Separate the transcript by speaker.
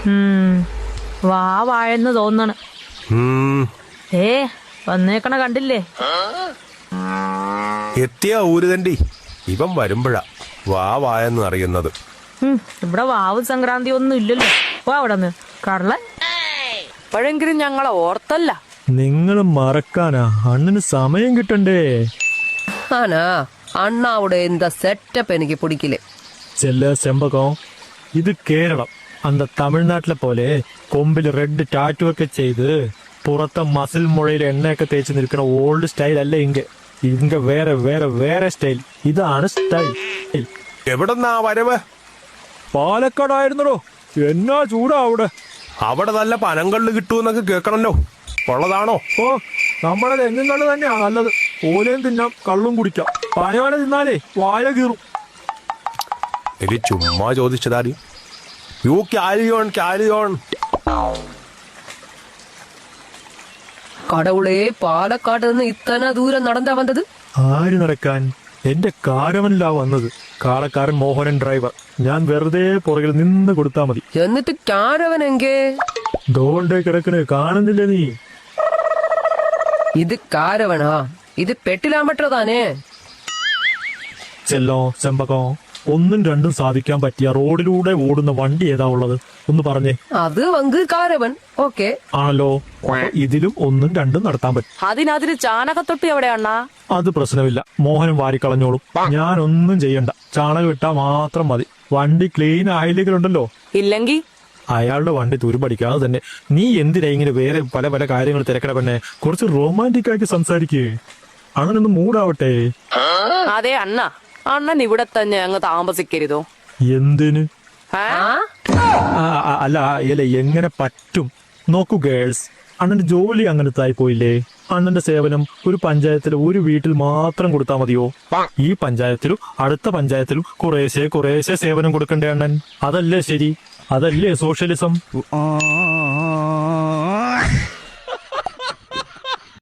Speaker 1: വാഴന്ന് തോന്നണ്. വന്നേക്കണ കണ്ടില്ലേ?
Speaker 2: എത്തിയ ഊരുതണ്ടി ഇവൻ വരുമ്പോഴാ വായെന്ന് അറിയുന്നത്.
Speaker 1: ഇവിടെ വാവ് സംക്രാന്തി ഒന്നും ഇല്ലല്ലോ. അവിടെ കടലൻ
Speaker 3: ഇപ്പോഴെങ്കിലും ഞങ്ങളെ ഓർത്തല്ല.
Speaker 4: നിങ്ങൾ മറക്കാനാ അണ്ണന് സമയം കിട്ടണ്ടേ?
Speaker 3: ആനാ അണ്ണാവിടെ എന്താ സെറ്റപ്പ് എനിക്ക് പിടിക്കില്ലേ.
Speaker 4: ചെല്ല ചെമ്പകം, ഇത് കേരളം. അന്ത തമിഴ്നാട്ടിലെ പോലെ കൊമ്പിൽ റെഡ് ടാറ്റു ഒക്കെ ചെയ്ത് പുറത്തെ മസിൽ മുഴയിൽ എണ്ണയൊക്കെ തേച്ച് നിൽക്കുന്ന ഓൾഡ് സ്റ്റൈൽ അല്ല ഇങ്ക വേറെ വേറെ വേറെ സ്റ്റൈൽ. ഇതാണ് സ്റ്റൈൽ.
Speaker 2: എവിടെന്നാ വരവ്?
Speaker 4: പാലക്കാടായിരുന്നോ? എന്നാ ചൂടാ അവിടെ.
Speaker 2: അവിടെ നല്ല പനങ്കള്ള് കിട്ടുമെന്നൊക്കെ കേൾക്കണല്ലോ. ഉള്ളതാണോ?
Speaker 4: ഓ, നമ്മുടെ തെങ്ങും കള്ള് തന്നെയാ നല്ലത്. ഓലയും തിന്നാം, കള്ളും കുടിക്കാം. പനയോല തിന്നാലേ വായ കീറും.
Speaker 2: എനിക്ക് ചുമ്മാ ചോദിച്ചതാടി. യു ക്യാരിയോൺ.
Speaker 3: കടവുളേ, പാലക്കാട് നിന്ന് ഇത്തന ദൂരം നടന്നാ വന്നത്?
Speaker 4: ആര് നടക്കാൻ? എന്റെ കാരവനിലാ വന്നത്. കാളക്കാരൻ മോഹനൻ ഡ്രൈവർ. ഞാൻ വെറുതെ പുറകിൽ നിന്ന് കൊടുത്താ മതി.
Speaker 3: എന്നിട്ട് കാരവൻ എങ്കേ?
Speaker 4: ദോണ്ടേ കിടക്കണേ, കാണുന്നില്ലേ നീ?
Speaker 3: ഇത് കാരവനാ? ഇത് പെട്ടിലാമ്പട്ടതാനേ.
Speaker 4: ചെല്ലോ ചെമ്പകോ, ഒന്നും രണ്ടും സാധിക്കാൻ പറ്റിയ റോഡിലൂടെ ഓടുന്ന വണ്ടി ഏതാ ഉള്ളത്? ഒന്ന് പറഞ്ഞേ.
Speaker 3: അത് വങ്ക് കാരവൻ. ഓക്കെ
Speaker 4: ആണല്ലോ. ഇതിലും ഒന്നും രണ്ടും നടത്താൻ പറ്റും.
Speaker 1: അതിന് ചാണകത്തൊട്ടി എവിടെയാണ?
Speaker 4: അത് പ്രശ്നമില്ല, മോഹനും വാരിക്കളഞ്ഞോളും. ഞാനൊന്നും ചെയ്യണ്ട, ചാണകം ഇട്ടാ മാത്രം മതി. വണ്ടി ക്ലീൻ ആയില്ലേക്കുണ്ടല്ലോ.
Speaker 1: ഇല്ലെങ്കിൽ
Speaker 4: അയാളുടെ വണ്ടി തുരുപടിക്കാതെ തന്നെ. നീ എന്തിനാ ഇങ്ങനെ വേറെ പല പല കാര്യങ്ങൾ തിരക്കട പെണ്ണെ? കുറച്ച് റൊമാൻറ്റിക് ആയിട്ട് സംസാരിക്കേ. അങ്ങനൊന്ന് മൂടാവട്ടെ.
Speaker 1: അതെ അണ്ണൻ ഇവിടെ തന്നെ അങ്ങ് താമസിക്കരുതോ?
Speaker 4: എന്തിന്? അല്ല എങ്ങനെ പറ്റും? നോക്കൂ ഗേൾസ്, അണ്ണന്റെ ജോലി അങ്ങനത്തെ ആയി പോയില്ലേ? അണ്ണന്റെ സേവനം ഒരു പഞ്ചായത്തിൽ ഒരു വീട്ടിൽ മാത്രം കൊടുത്താൽ മതിയോ? ഈ പഞ്ചായത്തിലും അടുത്ത പഞ്ചായത്തിലും കുറേശ്ശെ സേവനം കൊടുക്കണ്ടേ അണ്ണൻ? അതല്ലേ ശരി? അതല്ലേ സോഷ്യലിസം?